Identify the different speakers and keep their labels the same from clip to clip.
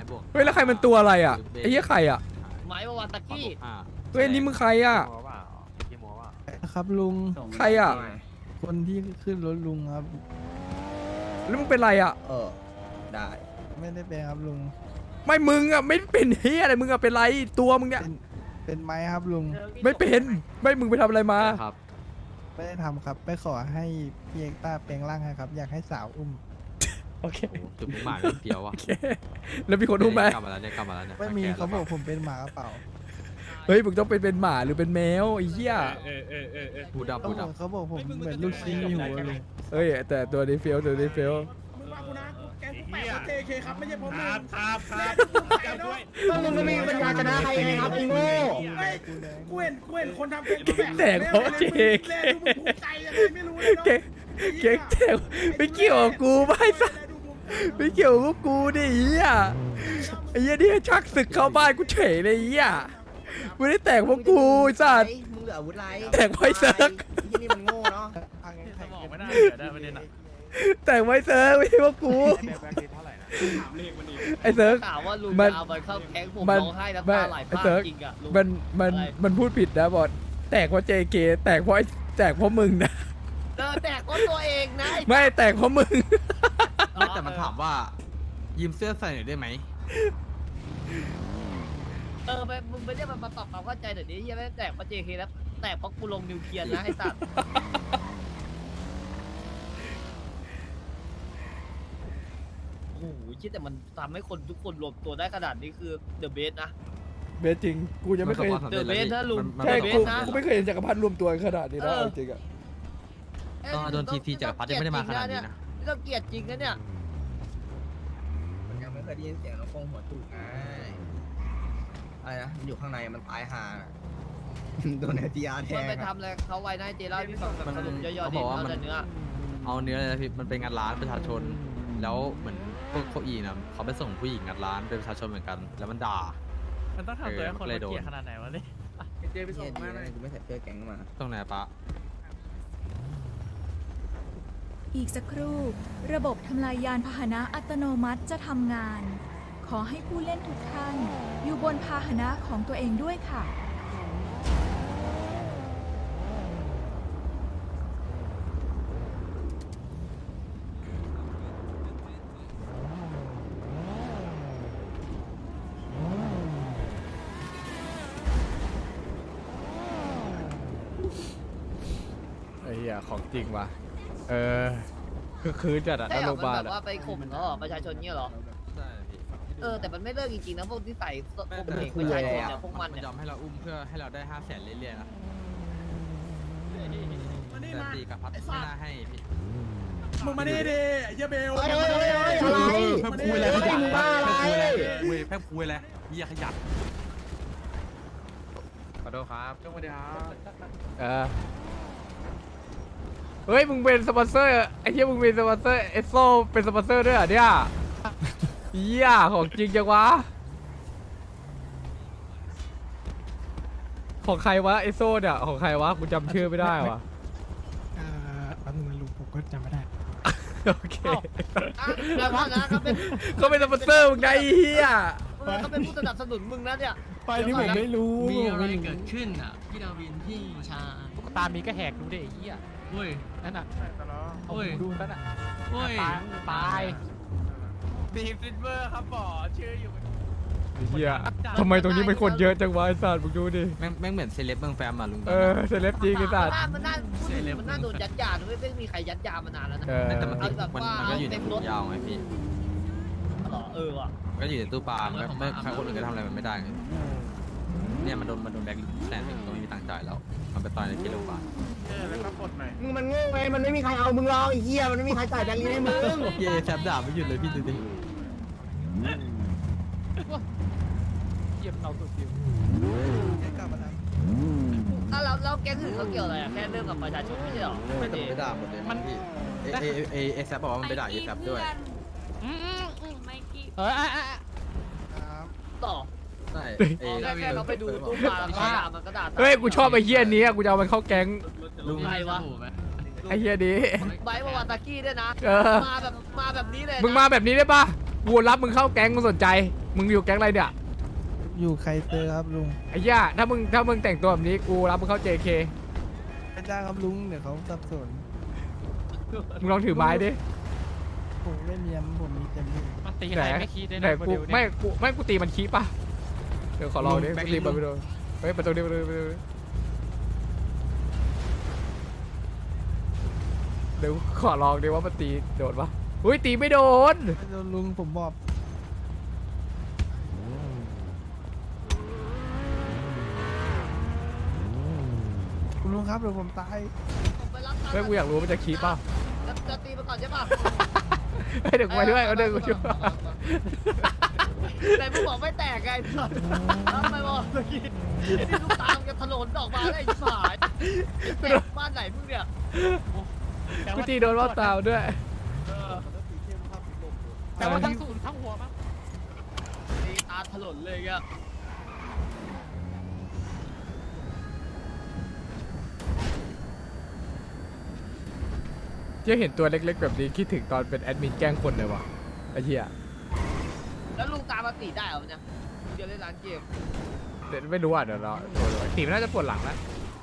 Speaker 1: บวก
Speaker 2: เฮ้ยแล้วใครมันตัวอะไรอ่ะไอ้เหี้ยใครอ่ะ
Speaker 3: ไม้วาวาตากี้
Speaker 2: เฮ้ยนี่มึงใครอ่ะ
Speaker 4: ครับลุง
Speaker 2: ใครอ่ะ
Speaker 4: คนที่ขึ้นรถลุงครับ
Speaker 2: แล้วมึงเป็นไรอ่ะ
Speaker 4: ได้ ไม่ได้เป็นครับลุง
Speaker 2: ไม่มึงอ่ะไม่เป็นเฮียอะไรมึงอ่ะเป็นไรตัวมึงเนี่ย
Speaker 4: เป็นไม้ครับลุง
Speaker 2: ไม่เป็นไม่มึงไปทำอะไรมา
Speaker 1: ครับ
Speaker 4: ไม่ได้ทำครับ ไปขอให้พี่เอกต้าแปลงร่างให้ครับ อยากให้สาวอุ้ม
Speaker 2: โอเค
Speaker 1: โอ้จุดมุ่งหมายเป็นเดียวว่ะ
Speaker 2: โอเคแล้วมีคนรู้ไหม
Speaker 1: กลับมาแล้วเนี่ยกลับมาแล้วเนี่ย
Speaker 4: ไม่มีเขาบอกผมเป็นหมากระเป๋า
Speaker 2: เฮ้ยมึงต้องเป็นหมาหรือเป็นแมวไอ้เหี้ย
Speaker 1: พูดดับ
Speaker 4: เขา
Speaker 1: พูด
Speaker 4: บ
Speaker 1: ดั
Speaker 4: อบ กเขาบอกผมเหมือนลูกชิ้นอยู่ลุง
Speaker 2: เฮ้ยแต่ตัวนี้เฟี้ยวตัวนี้เฟี้ยว
Speaker 5: มึงมากูนะกูแกงกูแปะเขาเจเคครับไม่ใช่ผมมึง
Speaker 6: ครับจำด้วย
Speaker 5: มึงไม่มีปัญญาชนะใครไงครับไอ้โง่กูเห็นคนทำแกงกูแปะ
Speaker 2: แต่งเพราะเจ
Speaker 5: แลดูมึงภูมิใจยังไงไม่รู้เลยเนาะ
Speaker 2: เก่งเก่งแจ๋วไม่เกี่ยวกับกูไม่สัสไม่เกี่ยวกับกูดิไอ้เหี้ยไอ้เหี้ยนี่ชักศึกเข้าบ้านกูเฉยเลยไอ้เหี้ยไม่ได้แต่งเพราะกูไอ้สัส
Speaker 7: มึงเหลืออาวุธไร
Speaker 2: แต่งไว้เซิร์ก
Speaker 7: ที่นี่มันโง่เนาะ
Speaker 6: สมองไม่น่าได้ประเด็นอ่ะ
Speaker 2: แต่งไว้เซิร์กไม่ใช่เพราะกูไอ้เซิร์ก
Speaker 3: ถามว่าลุง
Speaker 2: มัน
Speaker 3: จะเอาไปเข้าแก๊งผม
Speaker 2: มัน
Speaker 3: ร้องไห้น้ำ
Speaker 2: ไม่
Speaker 3: ตาไหล
Speaker 2: ไอ้
Speaker 3: พา
Speaker 2: เซิร์ก
Speaker 3: จริงอะลุง
Speaker 2: มันพูดผิดนะบอสแตกเพราะ JK แตกเพราะแตกเพราะมึงนะ
Speaker 3: แต่ก็ตัวเองนะ
Speaker 2: ไม่แตกเพราะมึง
Speaker 1: ไม่แต่มันถามว่ายืมเสื้อใส่หน่อยได้ไหม
Speaker 3: ไปมึงไม่ได้มาปรับความเข้าใจเดี๋ยวนี้ยังไม่แตกเพราะ JK แล้วแตกเพราะกูลงนิวเคลียร์นะไอ้สัตว์โอ้โหคิดแต่มันทำให้คนทุกคนรวมตัวได้ขนาดนี้คือเดอะเบสนะ
Speaker 2: เบสจริงกูยังไม่เคย
Speaker 3: เดอะเบสนะลุง
Speaker 2: ใช่
Speaker 3: เบ
Speaker 2: กู
Speaker 3: สนะ
Speaker 2: กูไม่เคยเห็นจักรพรรดิรวมตัวกันขนาดนี้นะ
Speaker 3: เออ
Speaker 2: เอาจริงอะ
Speaker 1: ต้องโดนทีจักรพรรดิยังไม่ได้มาขนาดนี้นะ
Speaker 3: ไม่ต้องเกลียดจริงนะเนี่ย
Speaker 7: มันยังไม่เคยได้ยินเสียงน้องฟงหัวจุกไงอะไรนะมันอยู่ข้างในมันตายห่าน่ะโดนไอทีอาร์แท
Speaker 3: มัน
Speaker 7: ง
Speaker 3: ไป
Speaker 7: อะ
Speaker 3: ทำอะไรเขาไว้นะเจเล่าให้พี่ฟังแบบสรุปย่อๆดิ
Speaker 1: เขาบอกว่า
Speaker 3: เอา
Speaker 1: มัน
Speaker 3: แต่เนื้อ
Speaker 1: เอาเนื้อเลยนะพี่มันเป็นงานร้านประชาชน แล้วเหมือนพวกเขาอีนะเขาไปส่งผู้หญิงงานร้านเป็นประชาชนเหมือนกัน แล้วมันด่า
Speaker 6: มันต้องทำตัวให้คนละเกียร์ขนาดไหนวะเนี่ย
Speaker 7: เจไปส่งมาเลยกูไม่ใส่เสื้อแก๊งมา
Speaker 1: ตรงไหนปะ
Speaker 8: อีกสักครู่ ระบบทำลายยานพาหนะอัตโนมัติจะทำงาน ขอให้ผู้เล่นทุกท่าน อยู่บนพาหนะของตัวเองด้วยค่ะ
Speaker 2: ไอ้เหี้ยของจริงว่ะคือจัดอะ
Speaker 3: ใช่
Speaker 2: น
Speaker 3: เหร
Speaker 2: โร
Speaker 3: อง
Speaker 2: พ
Speaker 3: มัน
Speaker 2: ยาบาล
Speaker 3: แบบ
Speaker 2: อะ
Speaker 3: ว่าไปข่มเขาเหรอประชาชนเนี่ยเหรอ
Speaker 1: ใช่พี่
Speaker 3: แต่มันไม่เลิกจริงๆนะพวกที่ใส่ข่ม
Speaker 1: แต่
Speaker 3: เหงประชาชนเนี่ยพวกมัน
Speaker 1: มัน
Speaker 3: เนี่ย
Speaker 1: ยอมให้เราอุ้มเพื่อให้เราได้500,000เรื่อยๆนะ
Speaker 5: มานี่
Speaker 1: แต่
Speaker 5: มา
Speaker 1: ตีกับพัดไม่น่าให้พี่
Speaker 5: มึงมานี่ดิเฮียเบล
Speaker 7: อะไร
Speaker 6: เพิ่มคุยอะไรขยัน
Speaker 7: มึงบ้าอะไร
Speaker 6: เพิ่มคุยอะไรเฮียขยัน
Speaker 1: ขอโทษครับ
Speaker 6: สวัสดีครับ
Speaker 2: เฮ้ยมึงเป็นสปอนเซอร์ไอ้เหี้ยมึงเป็นสปอนเซอร์เอสโซเป็นสปอนเซอร์ด้วยเหรอเนี่ยเหี้ยของจริงจังวะของใครวะเอสโซเนี่ยของใครวะกูจำชื่อไม่ได้วะ
Speaker 4: แป๊บนึงนะลุงผมก็จำไม่ได้
Speaker 2: โอเค
Speaker 3: แล้วพ่อนะเขาเป็น
Speaker 2: เขาเป็นสปอนเซอร์มึงไงไอ้เหี้ย
Speaker 3: เขาเป็นผู้สนับสนุนมึงนะเนี่ย
Speaker 4: ไปนี่ผมไม่รู้
Speaker 9: มีอะไรเกิดขึ้นอ่ะ พี่ดาวิน พี่ชา
Speaker 6: ตามนี้ก็แหกดูดิไอ้เหี้ย
Speaker 9: โอ้ย
Speaker 6: นั่นน่ะ
Speaker 9: โอ้ย
Speaker 6: ดูนั่นน่ะ
Speaker 9: โอ้ย
Speaker 6: ตายทีมซิลเวอร์ครับบอชื่ออยู่
Speaker 2: ไอ้เหี้ยทำไมตรงนี้มันคนเยอะจังวะไอ้สัตว์มึงดูดิ
Speaker 1: แม่งเหมือนเซเลบเมืองแฟมอ่ะลุง
Speaker 2: เซเลบจริงไอ้สัตว์
Speaker 3: มันน่าโดนยัดยาไม่มีใครยัดยามานานแล้วนะ
Speaker 1: แต่มันก็อยู่ในถุงยาวไงพี่
Speaker 3: ว่ะ
Speaker 1: มันก็อยู่ในตู้ปลามันก็ไม่ใครคนอื่นก็ทำอะไรมันไม่ได้ไงเนี่ยมันโดนแบล็คแสนหนึ่งก็ไม่มีตังค์จ่ายแล้ว มันไปต่อยในที่โรงพยาบาล
Speaker 6: แล้วก็กดหน่อย
Speaker 7: มึงมันโง่ไงมันไม่มีใครเอามึงหรอกไอ้เหี้ยมันไม่มีใครจ่ายแบงค์นี้ให้มึง
Speaker 1: เย่แซบด่าไม่หยุดเลยพี่ดูดิ
Speaker 6: เยี่ยมเราสุดจิ๋ว
Speaker 3: แล้วแก๊งอื่นเขาเกี่ยวอะไรแค่เรื่องกับประชาชนไม่ใช่หรอ
Speaker 1: ไม่แต่มันไปด่าหมดเลยมันพี่เอแซบบอกว่ามันไปด่าเอแซบด้วย
Speaker 8: ไม่กี่
Speaker 3: ต่อ
Speaker 1: ใช่
Speaker 3: แค่เราไปดูตู้ปลาแล้วด่ามันก็ด่า
Speaker 2: เฮ้ยกูชอบไอ้เหี้ยนี้อะกูจะเอามันเข้าแก๊ง
Speaker 3: ลุงไงวะ
Speaker 2: ไอ้เหี้ยนี้
Speaker 3: ไบวาวาตากี้ด้วยนะ
Speaker 2: เออ
Speaker 3: มาแบบนี้เลย
Speaker 2: มึงมาแบบนี้ได้ปะกูรับมึงเข้าแก๊งมึงสนใจ มึงอยู่แก๊งอะไรเนี่ย
Speaker 4: อยู่ใครเตอร์ครับลุง
Speaker 2: ไอ้ย่าถ้ามึงแต่งตัวแบบนี้กูรับมึงเข้า JK
Speaker 4: ไม่ได้ครับลุงเดี๋ยวเขาสับสน
Speaker 2: มึงลองถือไม้ดิ
Speaker 4: ผมไม่มีผมมีเต็มที่
Speaker 6: มันตี
Speaker 2: ไห
Speaker 6: ใคร
Speaker 2: น
Speaker 6: ไม่คิดได้
Speaker 2: ไหน
Speaker 6: นะ
Speaker 2: กูไม่กูตีมันขี้ป่ะเดี๋ยวขอลองดิ
Speaker 6: แบ็ค
Speaker 2: กูตีมัน
Speaker 6: ลิ
Speaker 2: ไป
Speaker 6: ง
Speaker 2: ดูเฮ้ยประตูดิประตูดิเดี๋ยวขอลองดิว่ามันตีโดนปะอุ้ยตีไม่โดน
Speaker 4: ไม่โดนลุงผมบอกคุณลุงครับเดี๋ยวผมตาย
Speaker 3: ผมไปรับตังค์
Speaker 2: เฮ้ยกูอยากรู้มันจะขี้ป่ะ
Speaker 3: จะตีมาก่อนใช่ป่ะ
Speaker 2: เฮ้ยเดี๋ยวกูไปด้วยเอาเดี๋ยวกูช่วย
Speaker 3: แต่มึงบอกไม่แตกไงทำไมบอกเมื่อกี้นี่ลูกตามจะถลนออกมาได้ยิบหายแตกบ้านไหนมึงเนี่ย
Speaker 2: กูตีโดนว่าตาวด้วย
Speaker 6: แต่ว่าทั้งศูนย์ทั้งหัวมั้ง
Speaker 3: ตีตาถลนเลยอ่ะ
Speaker 2: จะเห็นตัวเล็กๆแบบนี้คิดถึงตอนเป็นแอดมินแกล้งคนเลยว่ะไอ้เหี้ย
Speaker 3: แล้วลุงตามมาตีได้เหรอเนี่ยเดี๋ยวเล่นร้านเกม
Speaker 2: เดี๋ยวไม่รู้อ่ะเดี๋ยวเราตีมันน่าจะปวดหลังนะ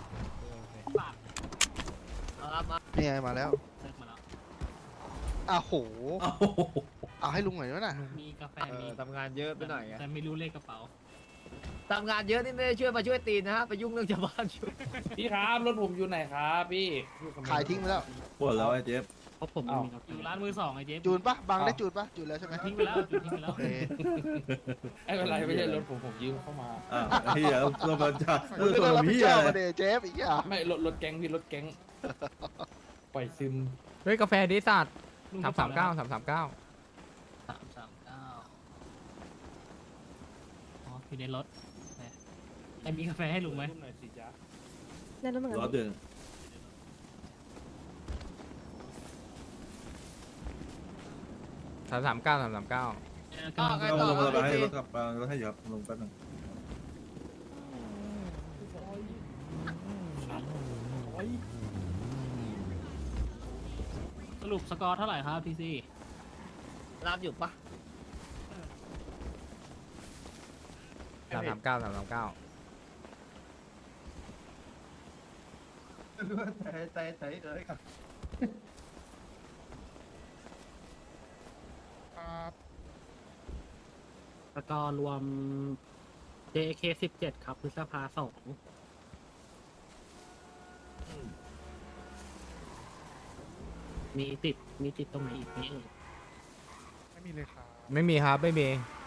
Speaker 3: เอาครับมา
Speaker 5: นี่ไงมาแล้ว
Speaker 9: เลิกมาแล้ว
Speaker 5: อ้าวโหเอาให้ลุงหน่อยวะน่ะ
Speaker 9: มีกาแฟมี
Speaker 3: ทำงานเยอะไปหน่อยไง
Speaker 9: แต่ไม่รู้เลขกระเป๋า
Speaker 3: ทำงานเยอะนี่ไม่ได้ช่วยมาช่วยตีนนะฮะไปยุ่งเรื่องชาวบ้านอยู่
Speaker 6: พี่ครับรถผมอยู่ไหนครับพี่
Speaker 5: ขายทิ้งไปแล้ว
Speaker 10: ปวดแล้วไอ้เจฟ
Speaker 9: เพราะผมไม่มีกาแฟอยู่ร้านมือสองไอ้เจ๊
Speaker 5: จูนปะบางได้จูนปะจูนแล้วใช่ไหม
Speaker 9: ทิ้งไปแล้วทิ้งไปแล้ว
Speaker 5: โอเค
Speaker 6: ไอ้เป็นไรไม่ใช่รถผมยืมเข้ามา
Speaker 10: อ่ะเฮียตัวมันจะ
Speaker 5: มึงไม่ต้องรับผิดชอบมาเดเจฟอีกอ่ะ
Speaker 6: ไม่รถแก๊งพี่รถแก๊งปล่อยซึม
Speaker 2: เฮ้ยกาแฟดิสัตว์
Speaker 9: ลุง
Speaker 2: 339 339
Speaker 9: 339อ๋ออยู่ในรถแหมแต่มีกาแฟให้ลุงไหม
Speaker 6: หน่อยสิจ๊ะ
Speaker 10: รถเดิน
Speaker 2: 339 339
Speaker 3: ก็ไง
Speaker 10: ล
Speaker 3: ต่อง
Speaker 10: มา
Speaker 3: ครับ
Speaker 10: ให้
Speaker 3: พี่
Speaker 10: รถกลับรถให้อยู่ครับลงแป๊บนึง
Speaker 9: สรุปสกอร์เท่าไหร่ครับทีซี
Speaker 3: รับอยู่ปะ
Speaker 2: 339 339
Speaker 9: สกอร์รวม JK 17ครับพฤษภา2มีติดตรงไหนอีกไหมเอ่ย
Speaker 2: ไม่มีครับไม่มี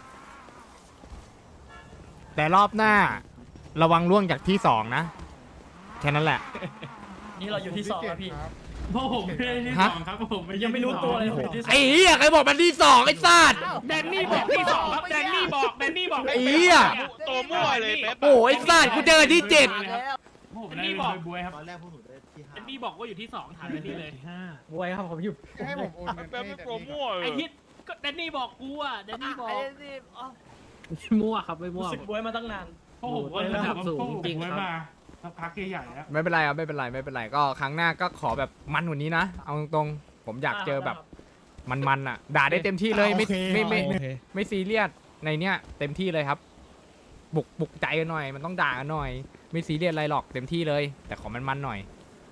Speaker 2: แต่รอบหน้า ระวังล่วงจากที่2นะแค่นั้นแหละ
Speaker 9: นี่เราอยู่ที่2ครับพี่พวกผมไม่ได้ที่
Speaker 2: ฮะ
Speaker 9: 2ครับผมยังไม่รู้ตัวเลยผมที่
Speaker 2: ไอ้เหี้ยใครบอกมันที่2ไอ้สัตว์
Speaker 6: แดนนี่บอกที่2ครับแดนนี่บอก
Speaker 2: ไอ้เหี้ย
Speaker 6: ตัวมั่วเลยเป๊ป
Speaker 2: โอ้ยไอ้สัตว์กูเจอที่7
Speaker 3: แล้ว
Speaker 9: แดนนี่บอกบวยครับตอนแรกพวกหนูได้ที่5แดนนี่บอกว่าอยู่ที่2ถามแดนนี่เลยบวยครับผมอยู่
Speaker 5: ให้ผมโอนเงินให้แต่นี่ก่อน
Speaker 9: ไอ้ฮิตก็แดนนี่บอกกูอ่ะแดนนี่บอก
Speaker 3: ไอ้นี่อ๋อ
Speaker 9: มั่วครับไม่มั่วรู้สึกบวยมาตั้งนานพวกผมก็ระดับสูงจริงครับ
Speaker 2: ไม่เป็นไรครับไม่เป็นไรก็ครั้งหน้าก็ขอแบบมันกว่านี้นะเอาตรงๆผมอยากเจอแบบมันอ่ะด่าได้เต็มที่เลยไม่ซีเรียสในเนี้ยเต็มที่เลยครับ บุกใจกันหน่อยมันต้องด่ากันหน่อย ไม่ซีเรียสอะไรหรอกเต็มที่เลย แต่ขอมันหน่อย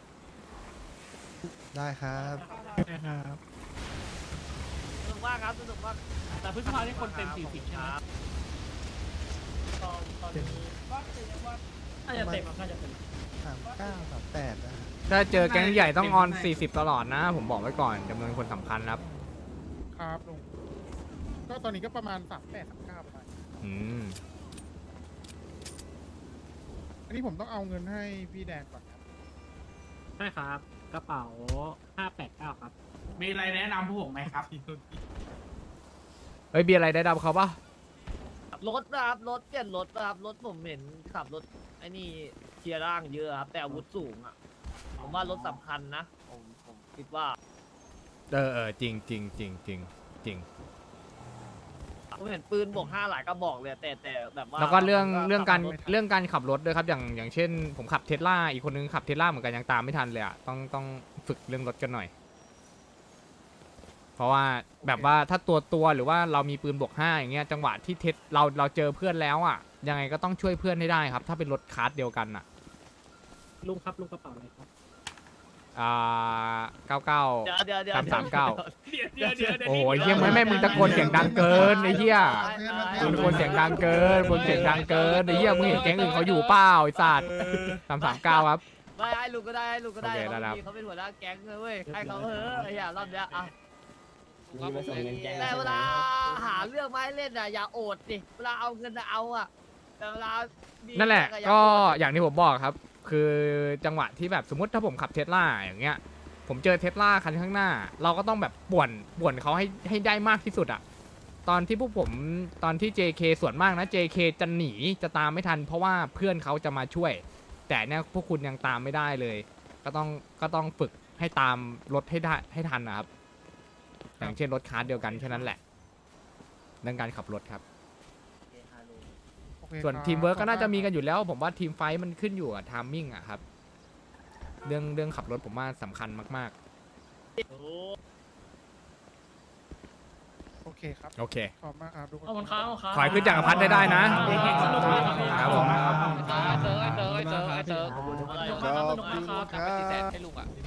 Speaker 4: ได้ครับได้ครับ
Speaker 3: สนุกมากครับสนุกมาก
Speaker 9: แต่พฤษภาที่คนเต็ม40ใช่ไหมตอนนี้น่าจะเต็มน่าจะเต็ม
Speaker 4: 39 38นะ
Speaker 2: ถ้าเจอแก๊งใหญ่ต้องออน40ตลอดนะ ผมบอกไว้ก่อนจำนวนคนสำคัญครับ
Speaker 11: ครับลุงก็ตอนนี้ก็ประมาณ38 39ประมาณ
Speaker 2: อืม
Speaker 11: อันนี้ผมต้องเอาเงินให้พี่แดงก่อนครับ
Speaker 9: ใช่ครับกระเป๋า589ครับ
Speaker 6: มีอะไรแนะนำพวกผมไหมครับ
Speaker 2: เฮ้ยเบียร์อะไรได้ดับเขาปะ
Speaker 3: รถนะครับรถเปลี่ยนรถนะครับรถผมเห็นขับรถไอ้นี่เทียร์ร่างเยอะครับแต่อาวุธสูงอ่ะผมว่ารถสำคัญนะผมคิดว่า
Speaker 2: จริงจริง
Speaker 3: ผมเห็นปืนบวก5หลายกระบอกเลยแต่แบบว่า
Speaker 2: แล้วก็เรื่อง
Speaker 3: ผม
Speaker 2: เรื่องการขับรถด้วยครับอย่างเช่น ผมขับเทสลาอีกคนนึงขับเทสลาเหมือนกันยังตามไม่ทันเลยอ่ะต้องฝึกเรื่องรถกันหน่อยเพราะว่าแบบว่าถ้าตัวหรือว่าเรามีปืนบวก5อย่างเงี้ยจังหวะที่เทสเราเจอเพื่อนแล้วอ่ะยังไงก็ต้องช่วยเพื่อนให้ได้ครับถ้าเป็นรถคาร์ดเดียวกันอ่ะ
Speaker 9: ลุงครับลุงกระเป๋าอะไรครับ
Speaker 2: 99
Speaker 3: เดี๋ยว
Speaker 2: 339
Speaker 9: เดี๋ยว
Speaker 2: โอ้โหเฮียไม่มึงตะโกนเสียงดังเกินไอ้เหี้ยมึงตะโกนเสียงดังเกินมึงเสียงดังเกินไอ้เหี้ยมึงเห็นแก๊งอื่นเขาอยู่เปล่าไอ้สัตว์339ครับ
Speaker 3: ไม่ให้ลุงก็ได้ให้ลุงก็ได้
Speaker 2: โอเคได้ครับ
Speaker 3: เขาเป็นหัวหน้าแก๊งเลยเว้ยให้เขาเถอะไอ้เหี้ยรอบเนี้ยอ่ะแต่เวลาหาเรื่องมาให้เล่นอ่ะอย่าโอดดิเวลาเอาเงินอะเอาอ่ะแต่เวลามี
Speaker 2: นั่นแหละ
Speaker 3: อย่า
Speaker 2: ก็
Speaker 3: โอด
Speaker 2: อย่างที่ผมบอกครับ คือจังหวะที่แบบสมมติถ้าผมขับเทสลาอย่างเงี้ยผมเจอเทสลาคันข้างหน้า เราก็ต้องแบบป่วนเขาให้ได้มากที่สุดอะตอนที่พวกผมตอนที่ JK ส่วนมากนะ JK จะหนีจะตามไม่ทัน เพราะว่าเพื่อนเขาจะมาช่วย แต่เนี่ยพวกคุณยังตามไม่ได้เลย ก็ต้องฝึกให้ตามรถให้ได้ให้ทันนะครับ อย่างเช่นรถคาร์ดเดียวกันแค่นั้นแหละเรื่องการขับรถครับ
Speaker 11: โอเค
Speaker 2: ส่วน
Speaker 11: ครับ
Speaker 2: ทีมเวิร์กก็น่าจะมีกันอยู่แล้ว ผมว่าทีมไฟท์มันขึ้นอยู่กับไทมิ่งอะครับ เรื่องขับรถผมว่าสำคัญมาก
Speaker 11: โอเคครับ
Speaker 2: ๆ โอเค
Speaker 11: ขอบคุณมากครับทุกคน
Speaker 9: ขอบคุณครับ
Speaker 2: ขอให้ขึ้นจักรพรรดิได้นะ ครับผม
Speaker 3: เจอขอบคุณมากครับ
Speaker 6: ให้ลุงอ่ะ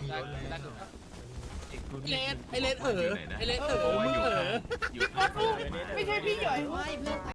Speaker 5: ไอเลนมึงไม่ใช่พี่ใหญ่